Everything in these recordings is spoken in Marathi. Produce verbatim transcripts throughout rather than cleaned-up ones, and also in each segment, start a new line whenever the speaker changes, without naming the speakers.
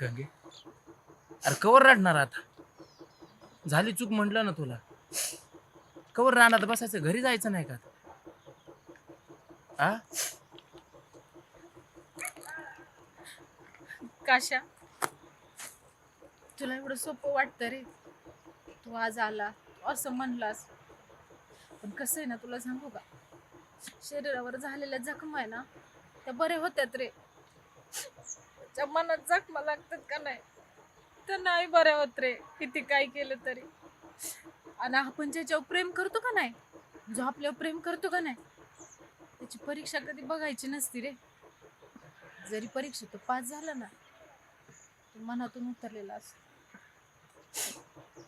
गंगे अरे कवर रडणार आता झाली चूक म्हटलं ना तुला कवर राहणार बसायचं घरी जायचं नाही का आ
काशा तुला एवढं सोपं वाटतं रे तू आज आला तू असं म्हणलास पण कसं आहे ना तुला सांगू का शरीरावर झालेल्या जखमा आहे ना त्या बरे होत्यात रे त्या मनात जखमा लागतात का नाही तर नाही बरे होत रे किती काय केलं तरी आणि आपण ज्याच्यावर प्रेम करतो का नाही जो आपल्यावर प्रेम करतो का नाही त्याची परीक्षा कधी बघायची नसती रे जरी परीक्षा तो पास झाला ना तो मनातून उतरलेला असतो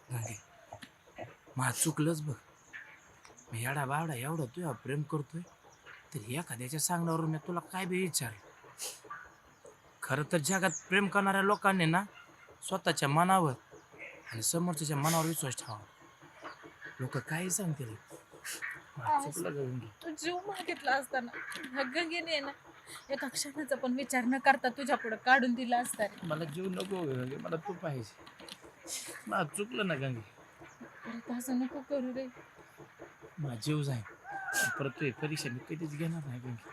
माझ चुकलंच बघ मी येडा बावडा एवढं तुझ्या प्रेम करतोय तर एखाद्याच्या सांगण्यावरून मी तुला काय बी विचार खरं तर जगात प्रेम करणाऱ्या लोकांनी ना स्वतःच्या मनावर आणि समोरच्या मनावर विश्वास ठेवा लोक काही सांगतील
तू जीव मागितला असताना ह्या गंगेने ना एका क्षणाचा पण विचार न करता तुझ्या पुढे काढून दिला असता रे
मला जीव नको गंगे मला तू पाहिजे मला चुकलं ना गंगे
परत असं नको करू रे
माझा जीव जाईल परत तू परीक्षा मी कधीच घेणार नाही गंगे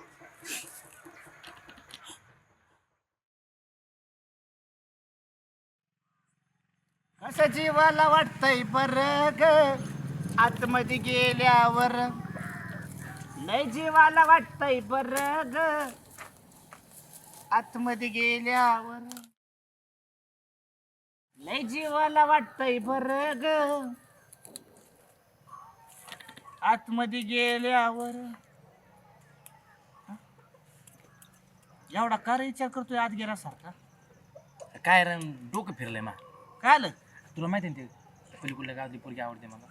असं जीवाला वाटतंय बरं ग आतमध्ये गेल्यावर लय जीवाला वाटतंय बरं ग आतमध्ये गेल्यावर लय जीवाला वाटतंय बरं ग आतमध्ये गेल्यावर एवढा का रे विचार करतोय आत गेल्यासारखा
काय रे डोकं फिरलंय मा
काय आलं
तुला माहिती ना ते पलीकडल्या गावातली पोरगी आवडते मला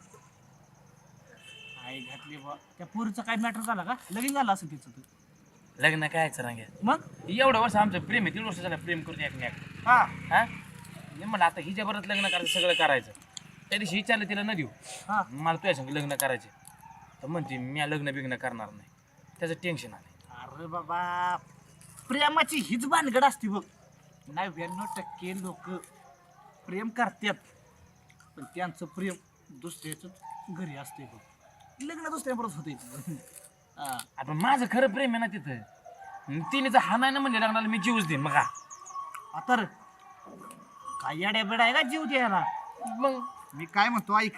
आई घातली बा त्या पोरीचं काय मॅटर झाला का लगीन झालं असं तिचं तू
लग्न काय रांगे
मग
एवढं वर्ष आमचं प्रेम आहे तीन वर्ष झालं प्रेम करतो एकमेक
हा
हा मी म्हणलं आता हिच्या बरोबर लग्न करायचं सगळं करायचं त्या दिवशी विचारलं तिला न देऊ
हा
मला तुझ्या संग लग्न करायचे तर म्हणते मी लग्न बिग्न करणार नाही त्याचं टेन्शन आलं
अरे बाबा प्रेमाची हीच भानगड असते बघ नव्याण्णव टक्के लोक प्रेम करतात पण त्यांचं प्रेम दुसऱ्याच घरी असते बघ लग्न दुसऱ्याबरोबर होते हा
आपण माझं खरं प्रेम आहे ना तिथं तिने जर हा नाही ना म्हणजे लग्नाला मी जीवच देईन मग हा
तर काय याड्या बेडा आहे का जीव द्यायला
मग
मी काय म्हणतो ऐक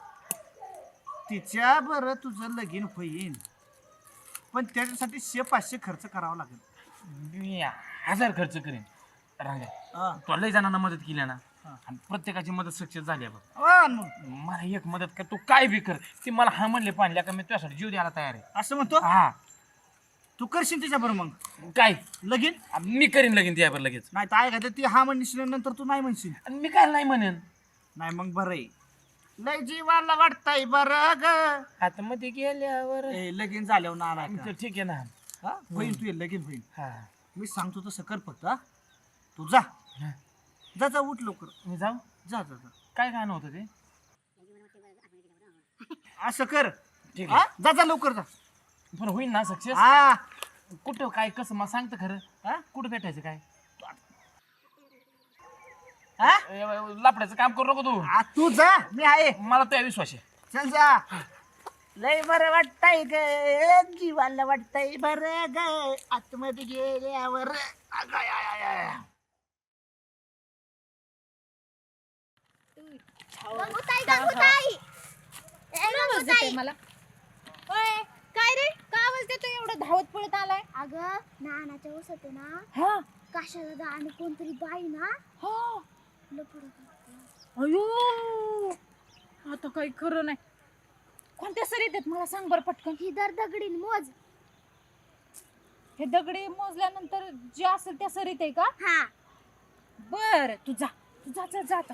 तिच्या बरं तुझं लगीन होईन पण त्याच्यासाठी शे पाचशे खर्च करावा लागेल
मी हजार खर्च करेन रांगा
हा.
तुला लई जणांना मदत केली ना आणि प्रत्येकाची मदत सक्सेस झाली आहे बघ
हा, मग
मला एक मदत कर तू काय बी कर ती मला हा म्हणले पाहिजे का मी तुझ्यासाठी जीव द्यायला तयार आहे
असं म्हणतो
हा
तू करशील तिच्याबरोबर मग
काय
लगीन
मी करीन लगीन त्यावर लगेच
नाही तर आहे का ती हा म्हणशील नंतर तू नाही म्हणशील
आणि मी काय नाही म्हणेन
नाही मग बरं आहे लय जीवाला वाटतंय बरं ग
आता मध्ये गेल्यावर
ए, लगीन झाल्यावर ना आला का?
ठीक आहे ना
हा होईल तू लगीन होईल
हा
मी सांगतो तसं कर फक्त हा तू जा
हा.
जा जा उठ लवकर
मी जाऊ
जा जा जा
काय गाणं होतं ते
असं कर
ठीक
हा
आहे
जा जा लवकर जा
पण होईल ना सक्सेस
हा
कुठं काय कसं मला सांगतं खरं
हा?
कुठं भेटायचं काय
हा?
ए, लापड्याचं काम करू नको तू
आ, तू जा मी आहे
मला तुझ्या विश्वास आहे
चल जा लय बरं वाटतंय ग जीवाला वाटतंय बरं ग आतमध्ये गेल्यावर अगं, आय, आय, आय, आय.
गंगूताई गंगूताई ए
आवाज
गंगूताई
देतोय मला ओय काय रे का आवाज देतोय एवढं धावत पळत आलाय
अगं नानाच्या ऊस होते ना
हा
काशा दादा आणि कोणतरी बाई ना
हा
लपड होती.
अयो आता काही खरं नाही कोणत्या सरीत आहेत मला सांग बरं पटकन
ही दर दगडीन मोज
हे दगडी मोजल्यानंतर जे असेल त्या सरीत आहे का
हा
बर तू जा तू जा जा जा आता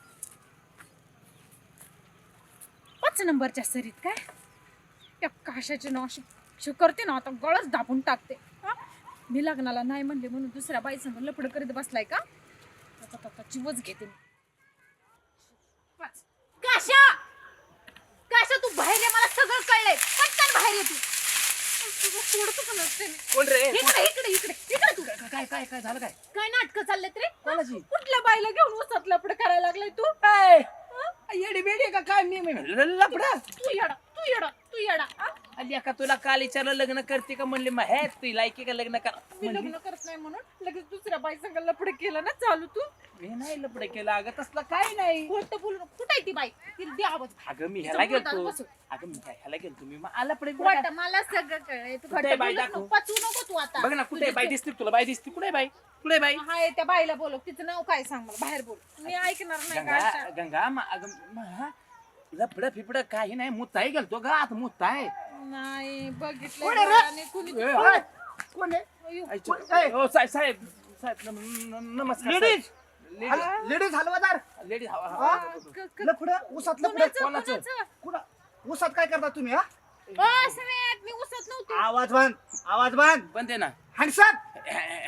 पाच नंबरच्या सरीत काय त्या काशाचे नाव अशी अशी करते ना आता गळच दाबून टाकते हा? मी लग्नाला नाही म्हणले म्हणून दुसऱ्या बाई समोर लपड करीत बसलाय का आता आता जीवच घेते मी. पाच. काशा काशा तू बाहेर ये मला सगळं कळलंय पटकन बाहेर ये तू तुझं सोडतो का नसते मी.
कोण रे
इकडे इकडे इकडे इकडे तू
काय काय काय काय झालं काय
काय नाटकं चाललेत रे
कोणाची?
कुठल्या बाईला घेऊन उसात लपड करायला लागलाय तू
काय येडी बेडी का काय मी लपडा
तू येडा तू येडा तू येडा हा?
अली का तुला काल विचारलं लग्न करते का म्हणले मग हे तू लायकी का लग्न कर
मी लग्न करत नाही म्हणून लगेच दुसऱ्या बाई संग लपड केलं ना चालू तू
मी नाही लपड केलं अगं तसलं काय नाही
खोटं बोलू नको. कुठं आहे ती बाई तिला दे आवाज
अगं मी ह्याला
तिचं
गेलतो
बोटात बसव.
अगं मी काय ह्याला गेलतो मी मग आला पडे
वाटतं मला सगळं कळलंय तू
कुठे
खोटं
बाई
बोलू
दाखव?
नको पचवू नको तू आता
बघ ना कुठे बाई दिसते तुला बाई दिसते कुठे बाई कुठे बाई
हाय त्या बाईला बोलव तिचं नाव काय सांग मला बाहेर बोल मी ऐकणार नाही का
गंगा
अशा?
गंगा मा- अगं मा- लपड फिपड काही नाही मुताई गेलतो गा आता मुताय
नाही बघितलं
कोण आहे रे?
डोळ्याने कुणी
ए,
ओय, कोण आहे
अय्यो.
हो साहेब साहेब साहेब नम- नम- नमस्कार
लेडीज
लेडीज
लेडीज हलवादार
लेडीज
हा?
आ, क- क-
लफड ऊसात लफड
कुणाचं
कोणाचं?
कुणाचं?
कुणा ऊसात काय करता तुम्ही हा
अ, समेत, मी उसत नव्हते
आवाज बंद आवाज बंद
पण ते ना
हँडसअप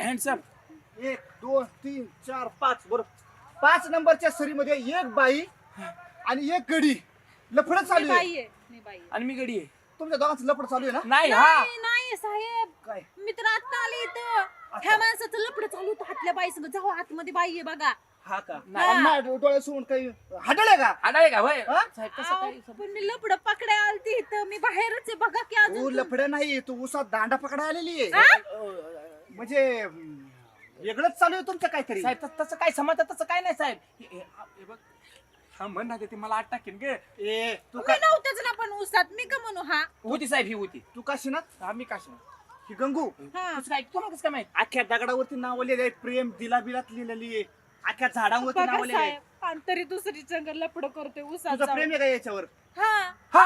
हँडसम
एक दोन तीन चार पाच बरोबर पाच नंबरच्या सरीमध्ये एक बाई आणि एक गडी लफड
मी
चालू आहे
बाई आहे मी बाई आहे.
आणि मी गडी आहे
तुमच्या दोघांचं लफड चालू आहे ना
नाही हा
नाही नाही साहेब
काय
मी तर आता आले इथं ह्या माणसाचं लपड चालू होतं हातल्या बाई संग जाऊ आतमध्ये बाई आहे बघा
हा का
नाही.
आणि माझ्या डोळ्या सोडून काही हडळे का
आडाय का होय
हा?
साहेब कसं
अहो,
काय
पण मी लपड पकड्या आलती इथं मी बाहेरच आहे बघा की
तू
अजून
लफड नाही तू ऊसात दांडा पकडा आलेली आहे
हा?
म्हणजे अं, वेगळंच चालू आहे तुमचं काहीतरी
साहेब तस- तसं काय समजत तसं काय नाही साहेब हे- हे- हे बघ हा म्हण ना ते मला आठ टाकेन गे
ए तू
मी
का
नव्हतेच ना पण उसात मी का म्हणू हा
होती साहेब ही होती
तू काशी ना
हा मी काशी
ही गंगू
हा
कसं काय तुम्हाला कसं काय माहित
अख्ख्या दगडावरती नाव लिहिलेलं आहे प्रेम दिला बिलात लिहिलेली आहे अख्ख्या झाडावरती नाव
बघा
लिहिलेलं आहे
साहेब आणि तरी दुसरी संग लपड करतोय उसात
तुझं
जाऊन.
प्रेम आहे का याच्यावर
हा
हा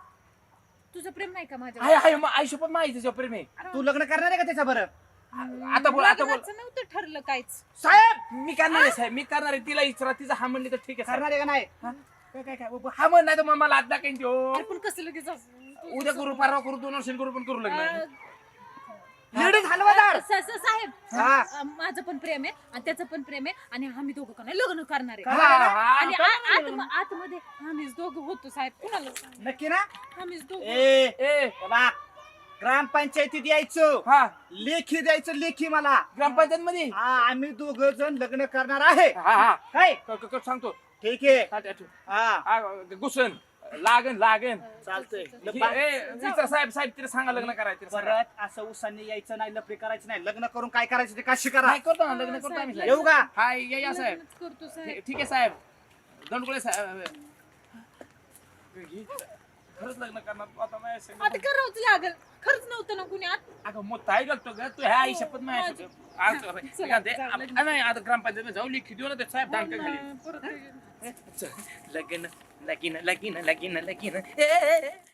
तुझं प्रेम नाही का माझ्या
हाय हाय मग आयुष्य पण माहिती त्याच्यावर प्रेम आहे
तू लग्न करणार आहे का त्याच्या बरं
आता बोल आता बोल
लग्नाचं नव्हतं ठरलं काहीच
साहेब
मी करणार आहे साहेब मी करणार आहे तिला विचारा तिचा हा म्हणली तर ठीक आहे साहेब.
करणार आहे का नाही
हा? काय काय काय बाबा, हा म्हण नाही तर मग मला आता काही देऊ
अरे पण कसं लगेच असं?
उद्या करू परवा करू दोन वर्षांनी करू पण करू
अं,
लग्न
लेडीज हलवादार
स- स- साहेब
हा.
अं, माझं पण प्रेम आहे आणि त्याचं पण प्रेम आहे आणि आम्ही दोघं का नाही लग्न करणार आहे
करणार आहे ना?
आणि आ- आत- आतमध्ये आम्हीच दोघं होतो साहेब कुणाला सांगू?
नक्की ना
आम्हीच दोघं
ए
ए
बा ग्रामपंचायतीत यायचं
हा
लेखी द्यायचं लेखी मला
ग्रामपंचायत मध्ये
हा आम्ही दोघ जण लग्न करणार आहे
हा हा
काय
क- क- क- सांगतो
ठीक आहे
हा, त्या- त्या-
हा
हा, घुसन लागन लागन
चालतंय
ए, विचार साहेब साहेब तिला सांगा लग्न करायचं तिला सांगा.
परत असं उसांनी यायचं नाही लफडी करायचं नाही लग्न करून काय करायचं ते काशी करा
नाही करतो ना लग्न करतो आम्ही साहेब.
येऊ का
हा या या साहेब
लग्नच करतो साहेब
ठीक ठीक आहे साहेब दंडगुळे साहेब खरंच लग्न करणार तू आता माझ्या संग.
आता करावंच लागल खरंच नव्हतं ना कुणी आत
अगं मग ताई घालतो ग तू ह्या आई शपथ माझ्या
माझी-
संग. आज काय
चला,
म्हणते,
चला,
आप-
लग्न.
नाही आता ग्रामपंचायत जाऊ लिखी देऊ ना ते साहेब दांडका खाली
परत
चल, लगीन लगीन लगीन लगीन लगीन ए, ए, ए.